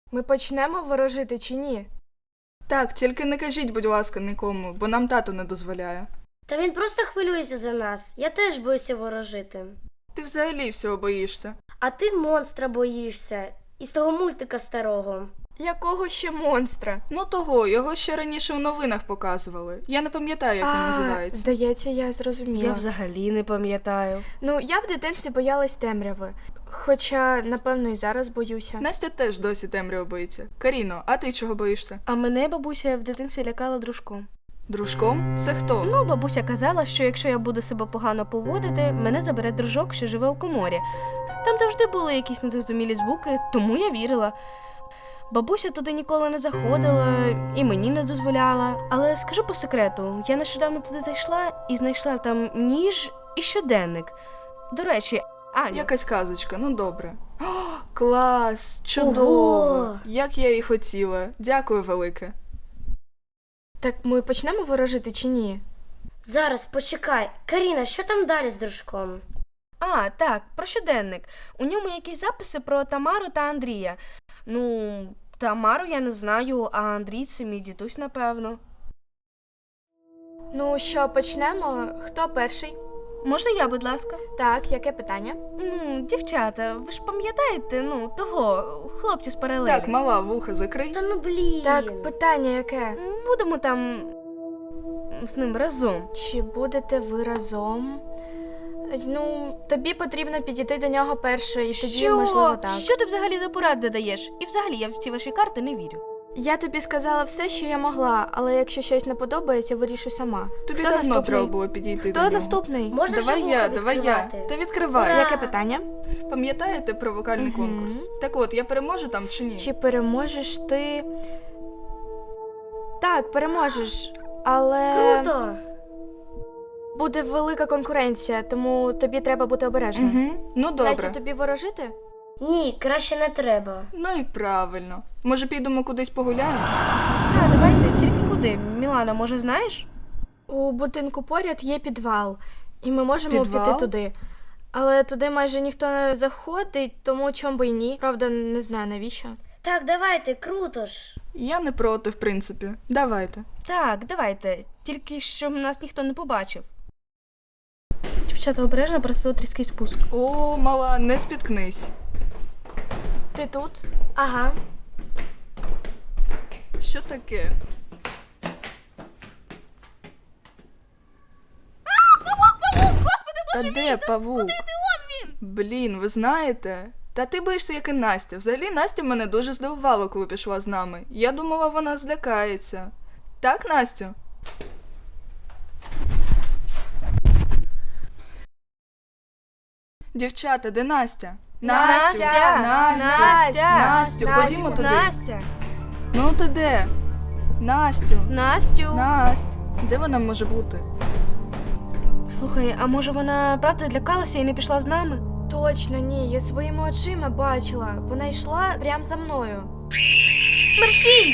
Ми почнемо ворожити чи ні? Так, тільки не кажіть, будь ласка, нікому, бо нам тато не дозволяє. Та він просто хвилюється за нас. Я теж боюся ворожити. Ти взагалі всього боїшся. А ти монстра боїшся. Із того мультика старого. Якого ще монстра? Ну того, його ще раніше в новинах показували. Я не пам'ятаю, як він називається. Здається, я зрозуміла. Я взагалі не пам'ятаю. Ну, я в дитинстві боялась темряви. Хоча, напевно, і зараз боюся. Настя теж досі темряво боїться. Каріно, а ти чого боїшся? А мене бабуся в дитинстві лякала дружком. Дружком? Це хто? Ну, бабуся казала, що якщо я буду себе погано поводити, мене забере дружок, що живе у коморі. Там завжди були якісь незрозумілі звуки, тому я вірила. Бабуся туди ніколи не заходила і мені не дозволяла. Але скажу по секрету, я нещодавно туди зайшла і знайшла там ніж і щоденник. До речі, Аню, Якась казочка, ну добре. О, клас! Чудово! Ого! Як я і хотіла. Дякую велике. Так ми почнемо ворожити чи ні? Зараз, почекай. Каріна, що там далі з дружком? А, так, про щоденник. У ньому якісь записи про Тамару та Андрія. Ну, Тамару я не знаю, а Андрій це мій дідусь, напевно. Ну що, почнемо? Хто перший? Можна я, будь ласка? Так, яке питання? Ну, дівчата, ви ж пам'ятаєте, того, хлопця з паралелі? Так, мала, вуха закрий. Та ну блін. Так, питання яке? Будемо там з ним разом. Чи будете ви разом? Ну, тобі потрібно підійти до нього перше, і тоді, можливо, так. Що ти взагалі за поради даєш? І взагалі я в ці ваші карти не вірю. Я тобі сказала все, що я могла, але якщо щось не подобається, вирішу сама. Тобі Хто давно наступний? треба було підійти до Хто нього. наступний? Можна Давай вже я, вуха давай я. відкривати? Та відкривай. Ура! Яке питання? Пам'ятаєте про вокальний конкурс? Так от, я переможу там чи ні? Чи переможеш ти? Так, переможеш, але Круто! буде велика конкуренція, тому тобі треба бути обережним. Угу. Ну добре. Настю, тобі ворожити? Ні, краще не треба. Ну і правильно. Може підемо кудись погуляємо? Так, давайте, тільки куди? Мілана, може, знаєш? У будинку поряд є підвал, і ми можемо Підвал? піти туди. Але туди майже ніхто не заходить, тому чому би й ні. Правда, не знаю навіщо. Так, давайте, круто ж. Я не проти, в принципі. Давайте. Так, давайте. Тільки щоб нас ніхто не побачив. Дівчата, обережно, просто тут різкий спуск. О, мала, не спіткнись. Ти тут? Ага. Що таке? Та де павук? Блін, ви знаєте? Та ти боїшся, як і Настя. Взагалі, Настя мене дуже здивувала, коли пішла з нами. Я думала, вона злякається. Так, Настю? Дівчата, де Настя? Настю! Настю, ходімо туди. Настя! Ну ти де? Настю! Настю! Насть! Де вона може бути? Слухай, а може вона правда злякалася і не пішла з нами? Точно ні, я своїми очима бачила. Вона йшла прямо за мною. Мерщій!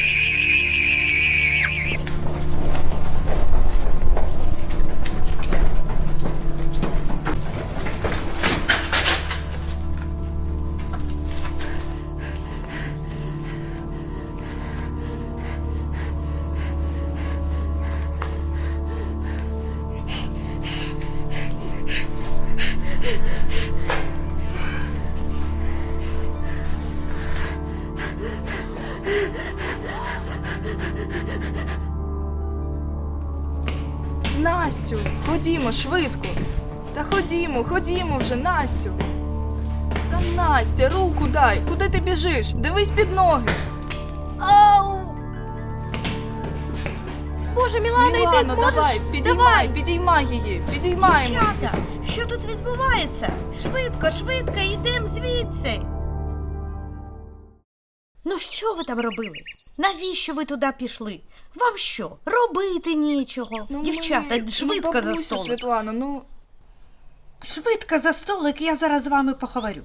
Настю, ходімо швидко. Та ходімо вже, Настю. Та Настя, руку дай. Куди ти біжиш? Дивись під ноги. Ау! Боже, Мілана, йди, Мілано, можеш? давай, підіймай її. Підіймаємо. Дівчата, що тут відбувається? Швидко, швидко, йдемо звідси. Ну що ви там робили? Навіщо ви туди пішли? Вам що, робити нічого? Дівчата, швидко за бабусю, столик. Світлано, ну... Швидко за столик, я зараз з вами поговорю.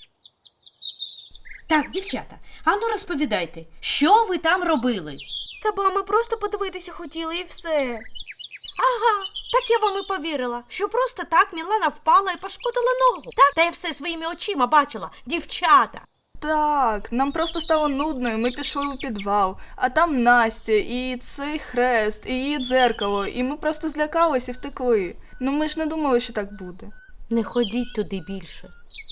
Так, дівчата, ану розповідайте, що ви там робили? Та ба, ми просто подивитися хотіли і все. Ага, так я вам і повірила, що просто так Мілана впала і пошкодила ногу. Так, та я все своїми очима бачила. Дівчата, Так, нам просто стало нудно, і ми пішли у підвал. А там Настя, і цей хрест, і її дзеркало, і ми просто злякались і втекли. Ну ми ж не думали, що так буде. Не ходіть туди більше.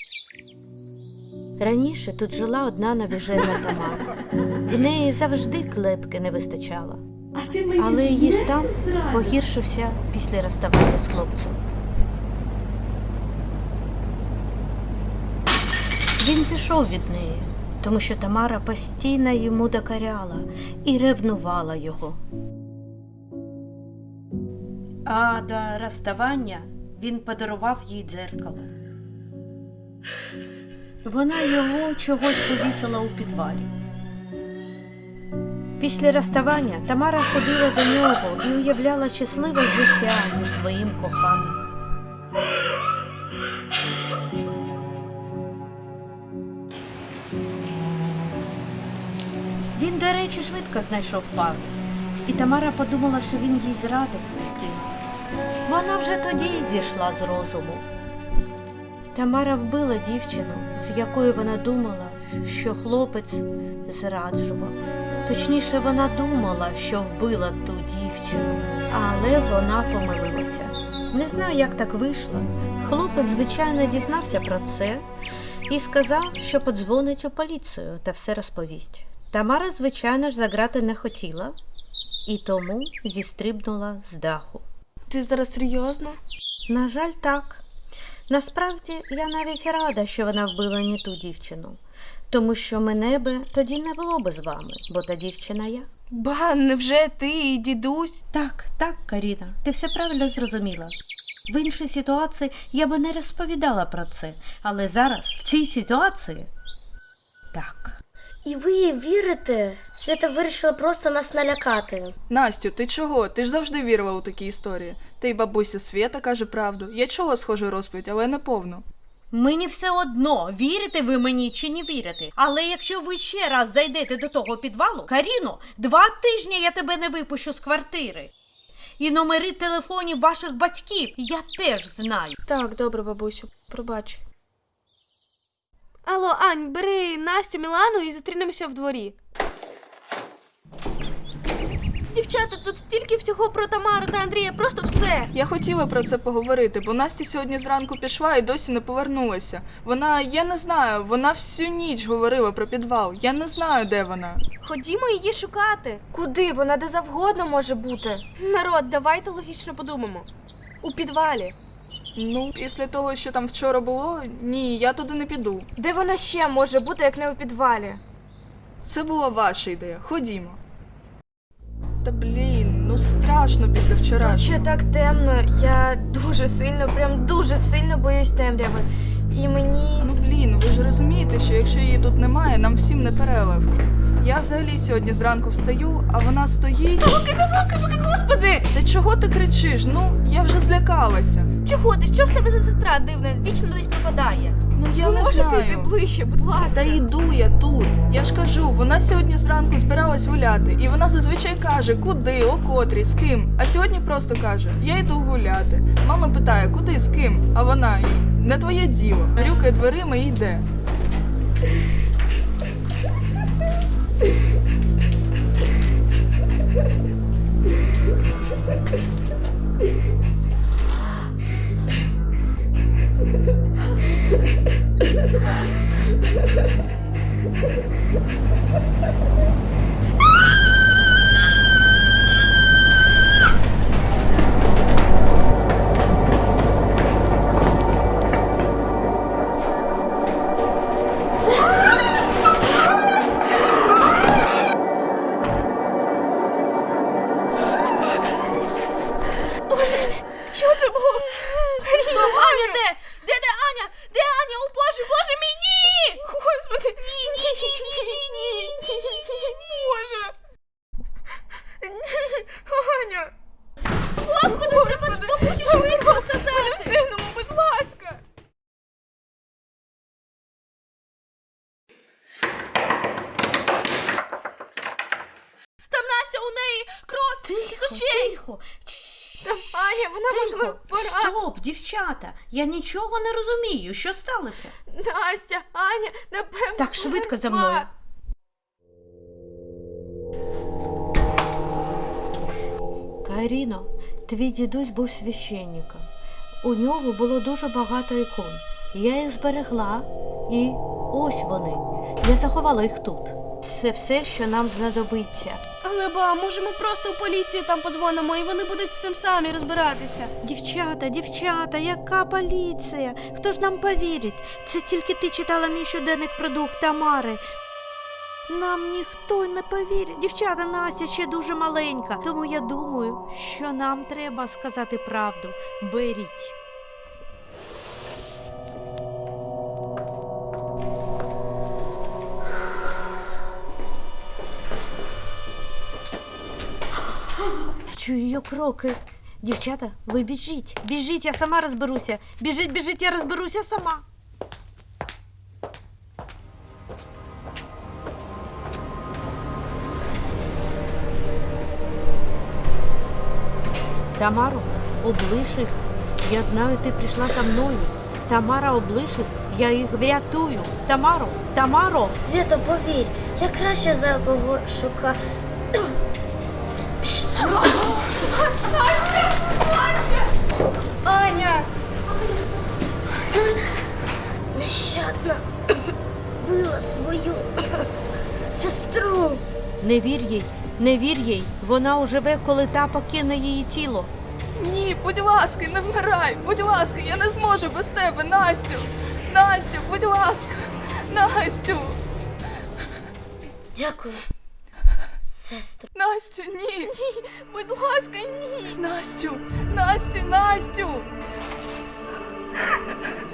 Раніше тут жила одна навіжена Тамара. В неї завжди клепки не вистачало. Але її стан погіршився після розставання з хлопцем. Він пішов від неї, тому що Тамара постійно йому докоряла і ревнувала його. А до розставання він подарував їй дзеркало. Вона його чогось повісила у підвалі. Після розставання Тамара ходила до нього і уявляла щасливе життя зі своїм коханим. Він, до речі, швидко знайшов пару. І Тамара подумала, що він їй зрадив і кинув. Вона вже тоді зійшла з розуму. Тамара вбила дівчину, з якою вона думала, що хлопець зраджував. Точніше, вона думала, що вбила ту дівчину, але вона помилилася. Не знаю, як так вийшло. Хлопець, звичайно, дізнався про це і сказав, що подзвонить у поліцію та все розповість. Тамара, звичайно ж, заграти не хотіла і тому зістрибнула з даху. Ти зараз серйозно? На жаль, так. Насправді, я навіть рада, що вона вбила не ту дівчину, тому що мене би тоді не було би з вами, бо та дівчина я. Ба, невже ти і дідусь? Так, Каріна, ти все правильно зрозуміла. В іншій ситуації я би не розповідала про це, але зараз, в цій ситуації, так. І ви їй вірите? Свята вирішила просто нас налякати. Настю, ти чого? Ти ж завжди вірила у такі історії. Та й бабуся Свята каже правду. Я чула схожу розповідь, але не повну. Мені все одно, вірите ви мені чи не вірите. Але якщо ви ще раз зайдете до того підвалу, Каріно, 2 тижні я тебе не випущу з квартири. І номери телефонів ваших батьків я теж знаю. Так, добре, бабусю, пробач. Алло, Ань, бери Настю, Мілану і зустрінемося в дворі. Дівчата, тут стільки всього про Тамару та Андрія, просто все. Я хотіла про це поговорити, бо Настя сьогодні зранку пішла і досі не повернулася. Я не знаю, вона всю ніч говорила про підвал. Я не знаю, де вона. Ходімо її шукати. Куди? Вона де завгодно може бути. Народ, давайте логічно подумаємо. У підвалі. Ну, після того, що там вчора було, ні, я туди не піду. Де вона ще може бути, як не у підвалі? Це була ваша ідея. Ходімо. Та блін, ну страшно після Тут вчорашнього. ще так темно, я дуже сильно, прям дуже сильно боюсь темряви. І мені... Ну блін, ви ж розумієте, що якщо її тут немає, нам всім не переливки. Я взагалі сьогодні зранку встаю, а вона стоїть... Господи! Та чого ти кричиш? Ну, я вже злякалася. Чого ти? Що в тебе за сестра дивна? Вічно десь пропадає. Ну я Ви не можете знаю. йти ближче, будь ласка? Та йду я тут. Я ж кажу, вона сьогодні зранку збиралась гуляти. І вона зазвичай каже, куди, о котрій, з ким. А сьогодні просто каже, я йду гуляти. Мама питає, куди, з ким? А вона їй, не твоє діло. Грюкає дверима і йде. Що це було? Стоп, Аня, де? Де Аня? Де Аня? О Боже, Боже мій, ні! Господи, ні. Боже. Аня! Господи, треба ж бабусі швидко сказати. Встигнемо, будь ласка! Там Настя, у неї кров з очей. Тихо. Там Аня, вона Тихо, пора. стоп, дівчата, я нічого не розумію, що сталося? Настя, Аня, напевно. Так, швидко за померла. мною. Каріно, твій дідусь був священником. У нього було дуже багато ікон. Я їх зберегла, і ось вони. Я заховала їх тут. Це все, що нам знадобиться. Але може ми просто в поліцію там подзвонимо і вони будуть з цим самі розбиратися. Дівчата, яка поліція? Хто ж нам повірить? Це тільки ти читала мій щоденник про дух Тамари. Нам ніхто не повірить. Дівчата, Настя ще дуже маленька, тому я думаю, що нам треба сказати правду. Беріть. Я чую її кроки. Дівчата, ви біжіть. Біжіть, я сама розберуся. Біжіть, я розберуся сама. Тамаро, облиш їх. Я знаю, ти прийшла за мною. Тамара, облиш їх. Я їх врятую. Тамаро. Свято, повір, я краще знаю, кого шукати. Аня! Нещадно вбила свою сестру. Не вір їй. Вона оживе, коли та покине її тіло. Ні, будь ласка, не вмирай. Будь ласка, я не зможу без тебе, Настю. Настю, будь ласка. Настю. Дякую, сестру. Настю, ні. Будь ласка, ні! Настю, Настю, Настю.